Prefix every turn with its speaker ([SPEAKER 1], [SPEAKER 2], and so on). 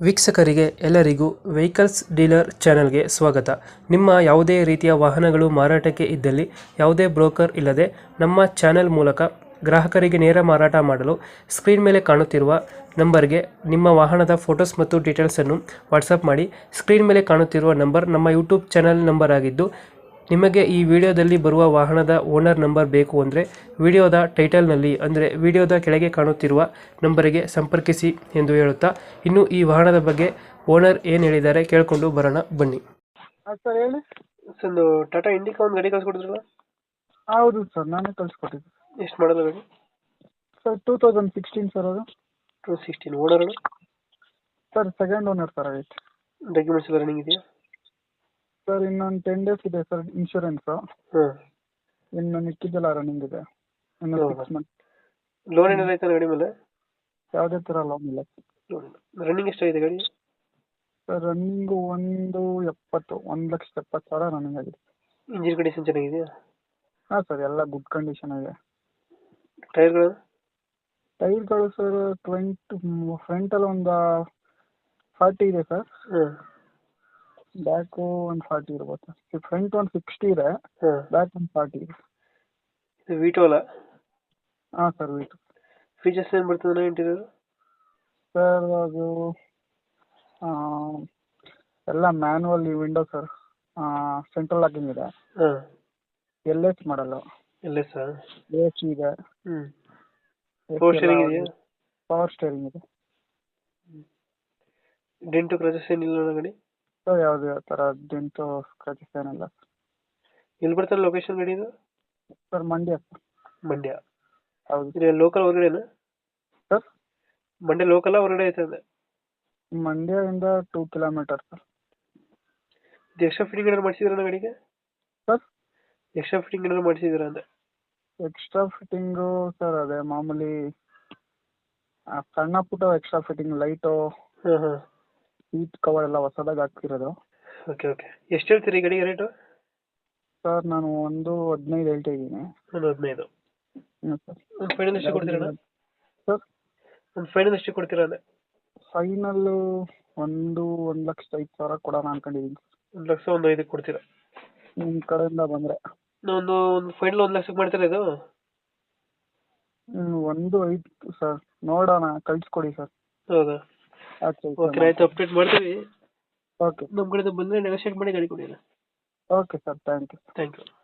[SPEAKER 1] ವೀಕ್ಷಕರಿಗೆ ಎಲ್ಲರಿಗೂ vehicles dealer ಚಾನೆಲ್ಗೆ ಸ್ವಾಗತ. ನಿಮ್ಮ ಯಾವುದೇ ರೀತಿಯ ವಾಹನಗಳು ಮಾರಾಟಕ್ಕೆ ಇದ್ದಲ್ಲಿ ಯಾವುದೇ ಬ್ರೋಕರ್ ಇಲ್ಲದೆ ನಮ್ಮ ಚಾನೆಲ್ ಮೂಲಕ ಗ್ರಾಹಕರಿಗೆ ನೇರ ಮಾರಾಟ ಮಾಡಲು ಸ್ಕ್ರೀನ್ ಮೇಲೆ ಕಾಣುತ್ತಿರುವ ನಂಬರ್ಗೆ ನಿಮ್ಮ ವಾಹನದ ಫೋಟೋಸ್ ಮತ್ತು ಡೀಟೇಲ್ಸನ್ನು ವಾಟ್ಸಪ್ ಮಾಡಿ. ಸ್ಕ್ರೀನ್ ಮೇಲೆ ಕಾಣುತ್ತಿರುವ ನಂಬರ್ ನಮ್ಮ ಯೂಟ್ಯೂಬ್ ಚಾನೆಲ್ ನಂಬರ್ ಆಗಿದ್ದು, ನಿಮಗೆ ಈ ವಿಡಿಯೋದಲ್ಲಿ ಬರುವ ವಾಹನದ ಓನರ್ ನಂಬರ್ ಬೇಕು ಅಂದರೆ ವಿಡಿಯೋದ ಟೈಟಲ್ನಲ್ಲಿ ಅಂದರೆ ವಿಡಿಯೋದ ಕೆಳಗೆ ಕಾಣುತ್ತಿರುವ ನಂಬರಿಗೆ ಸಂಪರ್ಕಿಸಿ ಎಂದು ಹೇಳುತ್ತಾ, ಇನ್ನು ಈ ವಾಹನದ ಬಗ್ಗೆ ಓನರ್ ಏನು ಹೇಳಿದ್ದಾರೆ ಕೇಳಿಕೊಂಡು ಬರೋಣ ಬನ್ನಿ.
[SPEAKER 2] ಹಾಂ ಸರ್ ಹೇಳಿ.
[SPEAKER 1] ಒಂದು ಟಾಟಾ ಇಂಡಿಕಾ ಒಂದು ಗಾಡಿ ಕಳ್ಸಿಕೊಡಿದ್ರಲ್ಲ,
[SPEAKER 2] ಹೌದು ಸರ್, ನಾನೇ ಕಳಿಸ್ಕೊಟ್ಟಿದ್ದೆ.
[SPEAKER 1] ಎಷ್ಟು ಮಾಡಲ್ಲ ಗಾಡಿ?
[SPEAKER 2] ಸರ್ 2016 ಸರ್ ಅದು.
[SPEAKER 1] 2016. Owner
[SPEAKER 2] sir second owner sir ಆಗೈತೆ.
[SPEAKER 1] ಡಾಕ್ಯುಮೆಂಟ್ಸ್ ಎಲ್ಲ ರನ್ನಿಂಗ್ ಇದೆಯಾ?
[SPEAKER 2] ಸರ್ ಇನ್ನೊಂದು 10 ಡೇಸ್ ಇದೆ ಸರ್ ಇನ್ಶೂರೆನ್ಸು.
[SPEAKER 1] ಹಾಂ.
[SPEAKER 2] ಇನ್ನು ಮಿಕ್ಕಿದ್ದೆಲ್ಲ ರನ್ನಿಂಗ್ ಇದೆ. ಇನ್ನು
[SPEAKER 1] ಹೌದಾ?
[SPEAKER 2] 6 ಮಂತ್.
[SPEAKER 1] ಲೋನ್ ಏನಾದ್ರು ಆಯ್ತಾ ಗಾಡಿ ಮೇಲೆ?
[SPEAKER 2] ಯಾವುದೇ ಥರ ಲೋನ್ ಇಲ್ಲ.
[SPEAKER 1] ರನ್ನಿಂಗ್ ಎಷ್ಟಾಗಿದೆ ಗಾಡಿ?
[SPEAKER 2] ಸರ್ ರನ್ನಿಂಗು 1,70,000 ರನ್ನಿಂಗ್ ಆಗಿದೆ.
[SPEAKER 1] ಇಂಜಿನ್ ಕಂಡೀಷನ್ ಚೆನ್ನಾಗಿದೆಯಾ?
[SPEAKER 2] ಹಾಂ ಸರ್, ಎಲ್ಲ ಗುಡ್ ಕಂಡೀಷನ್ ಇದೆ.
[SPEAKER 1] ಟೈರ್ಗಳು?
[SPEAKER 2] ಟೈರ್ಗಳು ಸರ್ 20 ಫ್ರಂಟಲ್ಲಿ ಒಂದು 40 ಇದೆ ಸರ್.
[SPEAKER 1] ಹಾಂ.
[SPEAKER 2] ಬ್ಯಾಕು ಒಂದು 40 ಇರ್ಬೋದು ಸರ್. ಫ್ರಂಟ್ ಒಂದು 60 ಇದೆ,
[SPEAKER 1] ಹಾಂ.
[SPEAKER 2] ಬ್ಯಾಕ್ ಒಂದು 40 ಇದೆ.
[SPEAKER 1] ಇದು ವಿಟೋ ಅಲ್ಲ?
[SPEAKER 2] ಹಾಂ ಸರ್ ವೀಟು.
[SPEAKER 1] ಫೀಚರ್ಸ್ ಏನು ಬರ್ತದೆ ಇಂಟೀರಿಯರ್?
[SPEAKER 2] ಸರ್ ಅದು ಎಲ್ಲ manual window sir. Central locking ಇದೆ.
[SPEAKER 1] ಹಾಂ.
[SPEAKER 2] LS ಮಾಡಲ್ಲ.
[SPEAKER 1] LS?
[SPEAKER 2] AC ಇದೆ.
[SPEAKER 1] ಹ್ಞೂ. ಪವರ್ ಸ್ಟೇರಿಂಗ್ ಇದೆಯಾ?
[SPEAKER 2] ಪವರ್ ಸ್ಟೇರಿಂಗ್ ಇದೆ.
[SPEAKER 1] ಡೆಂಟು ಕ್ರಚಸ್ ಏನಿಲ್ಲ ಗಾಡಿ?
[SPEAKER 2] ಸರ್ ಯಾವುದೇ ಥರ ಡೆಂಟು ಸ್ಕ್ರಾಚಸ್ ಏನಿಲ್ಲ.
[SPEAKER 1] ಎಲ್ಲಿ ಬರ್ತಾರೆ ಲೊಕೇಶನ್ ಗಾಡಿ ಇದು?
[SPEAKER 2] Sir Mandya sir.
[SPEAKER 1] ಮಂಡ್ಯ.
[SPEAKER 2] ಹೌದು
[SPEAKER 1] ಇದು ಲೋಕಲ್ ಹೊರಗಡೆನಾ?
[SPEAKER 2] ಸರ್.
[SPEAKER 1] ಮಂಡ್ಯ ಲೋಕಲ್ ಹೊರಗಡೆ ಐತಂದೆ?
[SPEAKER 2] ಮಂಡ್ಯದಿಂದ 2 ಕಿಲೋಮೀಟರ್ ಸರ್.
[SPEAKER 1] ಇದು ಎಕ್ಸ್ಟ್ರಾ ಫಿಟ್ಟಿಂಗ್ ಏನಾದ್ರು ಮಾಡಿಸಿದ್ರಾ ಗಾಡಿಗೆ?
[SPEAKER 2] ಸರ್
[SPEAKER 1] ಎಕ್ಸ್ಟ್ರಾ ಫಿಟ್ಟಿಂಗ್ ಏನಾದ್ರು ಮಾಡಿಸಿದ್ರಾ ಅಂದೆ?
[SPEAKER 2] ಎಕ್ಸ್ಟ್ರಾ ಫಿಟ್ಟಿಂಗು ಸರ್ ಅದೇ ಮಾಮೂಲಿ ಸಣ್ಣ ಪುಟ್ಟ ಎಕ್ಸ್ಟ್ರಾ ಫಿಟ್ಟಿಂಗ್, ಲೈಟು,
[SPEAKER 1] ಹಾಂ ಹಾಂ.
[SPEAKER 2] ಸೀಟ್ ಕವರ್ ಎಲ್ಲ ಹೊಸದಾಗಿ ಹಾಕ್ತಿರೋದು.
[SPEAKER 1] Okay okay. ಎಷ್ಟು ಹೇಳ್ತೀರಿ ಈ ಗಾಡಿಗೆ ರೇಟು?
[SPEAKER 2] ಸರ್ ನಾನು 1,15 ಹೇಳ್ತಾ ಇದ್ದೀನಿ.
[SPEAKER 1] 1,15.
[SPEAKER 2] ಹ್ಞೂ ಸರ್.
[SPEAKER 1] ಒಂದು ಫೈನಲ್ ಎಷ್ಟು ಕೊಡ್ತೀರಾ?
[SPEAKER 2] ಸರ್
[SPEAKER 1] ಒಂದು ಫೈನಲ್ ಎಷ್ಟು ಕೊಡ್ತೀರಾ ಅಂದೆ?
[SPEAKER 2] ಫೈನಲ್ಲು 1,05,000 ಕೊಡೋಣ ಅನ್ಕೊಂಡಿದ್ದೀನಿ.
[SPEAKER 1] 1,00,000 1,05,000 ಕೊಡ್ತೀರಾ?
[SPEAKER 2] ನಿಮ್ಮ ಕಡೆಯಿಂದ ಬಂದರೆ
[SPEAKER 1] ಒಂದು ಫೈನಲ್ 1,00,000 ಮಾಡ್ತೀರಾ ಇದು?
[SPEAKER 2] 1,05 ಸರ್, ನೋಡೋಣ, ಕಳಿಸ್ಕೊಡಿ ಸರ್.
[SPEAKER 1] ಹೌದಾ? ಓಕೆ ಆಯಿತು, ಅಪ್ಡೇಟ್ ಮಾಡ್ತೀವಿ.
[SPEAKER 2] ಓಕೆ.
[SPEAKER 1] ನಮ್ಮ ಕಡೆಯಿಂದ ಬಂದರೆ ನೆಗೋಷಿಯೇಟ್ ಮಾಡಿ ಗಾಡಿ ಕೊಡಿ.
[SPEAKER 2] Okay sir, thank you.
[SPEAKER 1] Thank you.